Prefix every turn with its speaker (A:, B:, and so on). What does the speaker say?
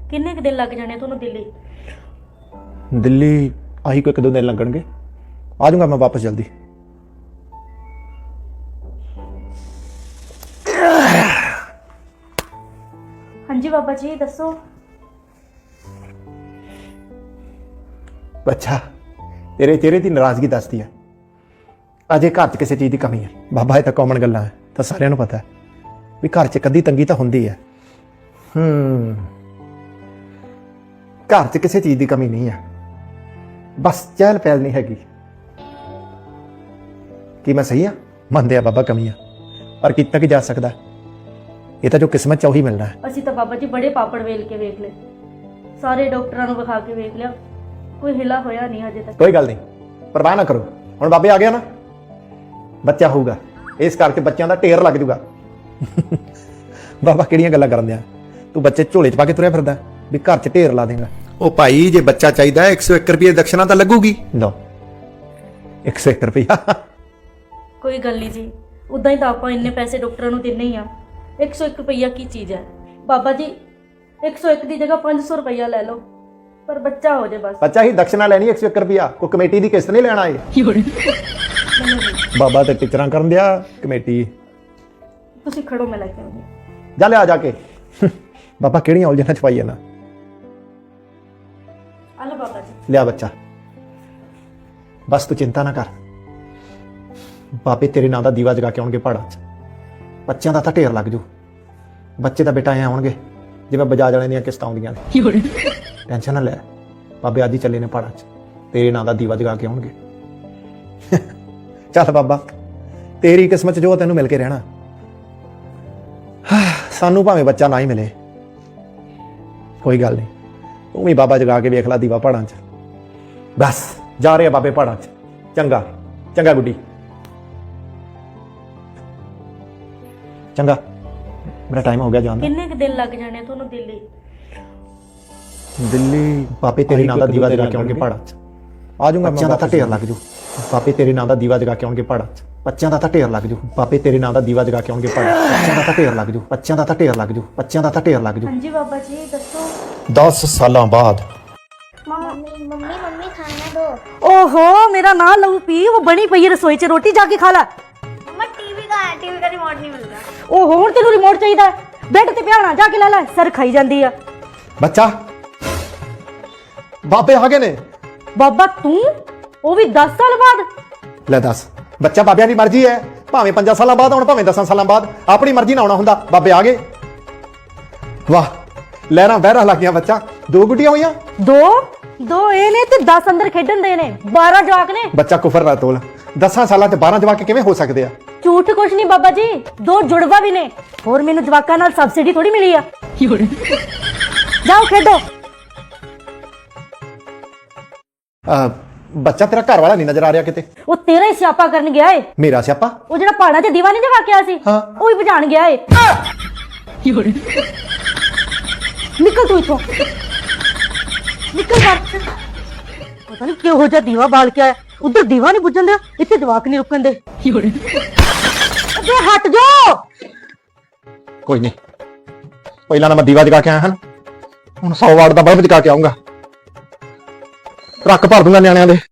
A: ਕਿੰਨੇ ਕੁ ਦਿਨ ਲੱਗ ਜਾਣੇ ਤੁਹਾਨੂੰ ਦਿੱਲੀ?
B: ਦਿੱਲੀ ਆਹੀ ਕੋਈ 1-2 ਦਿਨ ਲੱਗਣਗੇ, ਆ ਜਾਊਂਗਾ ਮੈਂ ਵਾਪਸ ਜਲਦੀ।
A: ਹਾਂਜੀ ਬਾਬਾ ਜੀ ਦੱਸੋ।
B: ਅੱਛਾ, ਤੇਰੇ ਚਿਹਰੇ ਦੀ ਨਾਰਾਜ਼ਗੀ ਦੱਸਦੀ ਹੈ ਅਜੇ ਘਰ 'ਚ ਕਿਸੇ ਚੀਜ਼ ਦੀ ਕਮੀ ਹੈ। ਬਾਬਾ ਇਹ ਤਾਂ ਕਾਮਨ ਗੱਲਾਂ ਹੈ, ਤਾਂ ਸਾਰਿਆਂ ਨੂੰ ਪਤਾ ਹੈ ਵੀ ਘਰ 'ਚ ਕਦੀ ਤੰਗੀ ਤਾਂ ਹੁੰਦੀ ਹੈ। ਘਰ 'ਚ ਕਿਸੇ ਚੀਜ਼ ਦੀ ਕਮੀ ਨਹੀਂ ਹੈ, ਬਸ ਚਹਿਲ ਪਹਿਲ ਨਹੀਂ ਹੈਗੀ। ਕੀ ਮੈਂ ਸਹੀ ਹਾਂ? ਮੰਨਦੇ ਆ ਬਾਬਾ ਕਮੀ ਆ, ਪਰ ਕੀਤਾ ਕੀ ਜਾ ਸਕਦਾ, ਇਹ ਤਾਂ ਜੋ ਕਿਸਮਤ 'ਚ ਉਹੀ ਮਿਲਣਾ ਹੈ।
A: ਅਸੀਂ ਤਾਂ ਬਾਬਾ ਜੀ ਬੜੇ ਪਾਪੜ ਵੇਲ ਕੇ ਵੇਖ ਲਏ, ਸਾਰੇ ਡਾਕਟਰਾਂ ਨੂੰ ਵਿਖਾ ਕੇ ਵੇਖ ਲਿਆ, ਕੋਈ ਹਿਲਾ ਹੋਇਆ ਨਹੀਂ ਹਜੇ ਤੱਕ।
B: ਕੋਈ ਗੱਲ ਨਹੀਂ, ਪਰਵਾਹ ਨਾ ਕਰੋ। ਹੁਣ ਬਾਬੇ ਆ ਗਿਆ ਨਾ, ਬੱਚਾ ਹੋਊਗਾ, ਇਸ ਕਰਕੇ ਬੱਚਿਆਂ ਦਾ ਢੇਰ ਲੱਗ ਜੂਗਾ। ਬਾਬਾ ਕਿਹੜੀਆਂ ਗੱਲਾਂ ਕਰਨ ਦਿਆਂ, ਤੂੰ ਬੱਚੇ ਝੋਲੇ 'ਚ ਪਾ ਕੇ ਤੁਰਿਆ ਫਿਰਦਾ ਵੀ ਘਰ 'ਚ ਢੇਰ ਲਾ ਦੇਗਾ। ਉਹ ਭਾਈ ਜੇ ਬੱਚਾ ਚਾਹੀਦਾ 101 ਰੁਪਏ ਦਕਸ਼ਨਾ ਤਾਂ ਲੱਗੂਗੀ। ਲਓ 101 ਰੁਪਇਆ।
A: ਕੋਈ ਗੱਲ ਨਹੀਂ ਜੀ, ਉਦਾਂ ਹੀ ਤਾਂ ਆਪਾਂ ਇੰਨੇ ਪੈਸੇ ਡਾਕਟਰਾਂ ਨੂੰ ਦਿੰਨੇ ਹੀ ਆ। 101 ਰੁਪਈਆ ਕੀ ਚੀਜ਼ ਹੈ ਬਾਬਾ ਜੀ? 101 ਦੀ ਜਗ੍ਹਾ 500 ਰੁਪਈਆ ਲੈ ਲਓ, ਪਰ ਬੱਚਾ ਹੋ ਜਾਏ ਬਸ।
B: ਬੱਚਾ ਹੀ ਦਕਸ਼ਨਾ ਲੈਣੀ 101 ਰੁਪਇਆ, ਕੋਈ ਕਮੇਟੀ ਦੀ ਕਿਸ਼ਤ ਨਹੀਂ ਲੈਣਾ ਏ। ਬਾਬਾ ਤੇ ਟੀਚਰਾਂ ਕਰਨ ਦਿਆ ਕਮੇਟੀ।
A: ਤੁਸੀਂ ਖੜੋ, ਮੈਂ ਲੈ ਕੇ ਆਉਂਦੀ।
B: ਜਾ ਲਿਆ ਜਾ ਕੇ। ਬਾਬਾ ਕਿਹੜੀਆਂ ਉਲਝਣਾਂ ਚ ਪਾਈ ਜਾਣਾ।
A: ਆ ਲਓ ਬਾਬਾ ਜੀ।
B: ਲਿਆ ਬੱਚਾ, ਬਸ ਤੂੰ ਚਿੰਤਾ ਨਾ ਕਰ। ਬਾਬੇ ਤੇਰੇ ਨਾਂ ਦਾ ਦੀਵਾ ਜਗਾ ਕੇ ਆਉਣਗੇ ਪਹਾੜਾਂ 'ਚ, ਬੱਚਿਆਂ ਦਾ ਤਾਂ ਢੇਰ ਲੱਗ ਜੂ। ਬੱਚੇ ਤਾਂ ਬੇਟਾ ਐ ਆਉਣਗੇ ਜਿਵੇਂ ਬਜਾਜ ਵਾਲਿਆਂ ਦੀਆਂ ਕਿਸ਼ਤਾਂ ਆਉਂਦੀਆਂ ਨੇ। ਟੈਨਸ਼ਨ ਨਾ ਲੈ, ਬਾਬੇ ਅੱਜ ਹੀ ਚੱਲੇ ਨੇ ਪਹਾੜਾਂ 'ਚ, ਤੇਰੇ ਨਾਂ ਦਾ ਦੀਵਾ ਜਗਾ ਕੇ ਆਉਣਗੇ। ਚੱਲ ਬਾਬਾ, ਤੇਰੀ ਕਿਸਮਤ 'ਚ ਜੋ ਤੈਨੂੰ ਮਿਲ ਕੇ ਰਹਿਣਾ। ਸਾਨੂੰ ਭਾਵੇਂ ਬੱਚਾ ਨਾ ਹੀ ਮਿਲੇ, ਕੋਈ ਗੱਲ ਨਹੀਂ, ਤੂੰ ਵੀ ਬਾਬਾ ਜਗਾ ਕੇ ਵੇਖ ਲਾ ਦੀਵਾ ਪਹਾੜਾਂ 'ਚ। ਬਸ ਜਾ ਰਹੇ ਆ ਬਾਬੇ ਪਹਾੜਾਂ 'ਚ। ਚੰਗਾ ਚੰਗਾ ਗੁੱਡੀ, ਚੰਗਾ, ਮੇਰਾ ਟਾਈਮ ਹੋ ਗਿਆ ਜਾਣ ਦਾ।
A: ਕਿੰਨੇ ਕੁ ਦਿਨ ਲੱਗ ਜਾਣੇ ਤੁਹਾਨੂੰ ਦਿੱਲੀ?
B: ਦਿੱਲੀ ਬਾਬੇ ਤੇਰੇ ਨਾਂ ਦਾ ਦੀਵਾ ਜਗਾ ਕੇ ਆਉਣਗੇ ਪਹਾੜਾਂ 'ਚ, ਆ ਜਾਊਂਗਾ। ਬੱਚਿਆਂ ਦਾ ਤਾਂ ਢੇਰ ਲੱਗ ਜੂ। ਬਾਬੇ ਤੇਰੇ ਨਾਂ ਦਾ ਦੀਵਾ ਜਗਾ ਕੇ ਆਉਣਗੇ ਪਹਾੜਾਂ 'ਚ, ਬੱਚਿਆਂ ਦਾ ਤਾਂ ਢੇਰ ਲੱਗ ਜੂ। ਬਾਬੇ ਤੇਰੇ ਨਾਂ ਦਾ ਦੀਵਾ ਜਗਾ ਕੇ ਆਉਣਗੇ ਪਹਾੜਾਂ 'ਚ, ਬੱਚਿਆਂ ਦਾ ਤਾਂ ਢੇਰ ਲੱਗ ਜੂ। ਬੱਚਿਆਂ ਦਾ ਤਾਂ ਢੇਰ ਲੱਗ ਜੂ। ਬੱਚਿਆਂ ਦਾ ਤਾਂ ਢੇਰ ਲੱਗ ਜੂ।
A: ਹਾਂਜੀ ਬਾਬਾ ਜੀ ਦੱਸੋ।
B: 10 ਸਾਲਾਂ ਬਾਅਦ।
C: मम्मी खाना दो।
A: ओहो मेरा ना लहू पी, वो बनी पई है रसोई च, रोटी जाके खा ला।
C: मम्मा टीवी का रिमोट नहीं मिलता।
A: ओहो हुण तेनू रिमोट चाहिदा, बेड ते पिया होना, जाके ले ले, सर खाई जांदी आ।
B: ਬੱਚਾ ਬਾਬੇ ਆ ਗਏ ਨੇ।
A: बाबा तू वो भी 10 साल बाद?
B: ਲੈ ਦੱਸ, ਬੱਚਾ ਬਾਬਿਆਂ ਦੀ ਮਰਜ਼ੀ ਹੈ, ਭਾਵੇਂ 5 ਸਾਲਾਂ ਬਾਅਦ ਆਉਣ, ਭਾਵੇਂ 10 ਸਾਲਾਂ ਬਾਅਦ, ਆਪਣੀ ਮਰਜ਼ੀ ਨਾਲ ਆਉਣਾ ਹੁੰਦਾ। ਬਾਬੇ ਆ ਗਏ। ਵਾਹ, ਲਹਿਰਾਂ ਬਹਿਰਾਂ ਲੱਗ ਗਈਆਂ। ਬੱਚਾ 2 ਗੁੱਡੀਆਂ ਹੋਈਆਂ।
A: दो ए ने ते 10 अंदर खेडन दे ने, 12 जवाक ने।
B: ਬੱਚਾ ਕੁਫਰ ਨਾ ਤੋਲ, 10 ਸਾਲਾਂ ਤੇ 12 ਜਵਾਕ ਕਿਵੇਂ ਹੋ ਸਕਦੇ ਆ?
A: झूठ कुछ नहीं बाबा जी, 2 जुड़वा भी ने, और मैनू जवाकां नाल सब्सिडी थोड़ी मिली आ। जाओ खेडो।
B: ਬੱਚਾ ਤੇਰਾ ਘਰ ਵਾਲਾ ਨਹੀਂ ਨਜ਼ਰ ਆ ਰਿਹਾ ਕਿਤੇ।
A: वो तेरा ही स्यापा करन गया है।
B: ਮੇਰਾ ਸਿਆਪਾ?
A: वो जेड़ा पहाड़ां च दीवा नहीं जगा के आया सी,
B: हाँ।
A: वो ही बुझाण गया है। निकल तू इथों, निकल बाहर। पता नहीं क्यों हो जा दीवा बाल के आया, उधर दीवा नहीं बुझन दे, इत्थे जवाक नहीं रुकन दे। अबे हट जाओ।
B: ਕੋਈ ਨਹੀਂ, ਪਹਿਲਾਂ ਮੈਂ ਦੀਵਾ ਜਗਾ ਕੇ ਆਇਆ ਹਾਂ, ਹੁਣ 100 ਵਾਟ ਦਾ ਬਲਬ ਜਗਾ ਕੇ ਆਉਂਗਾ। ਟਰੱਕ ਭਰ ਦੂੰਗਾ ਨਿਆਣਿਆਂ ਦੇ।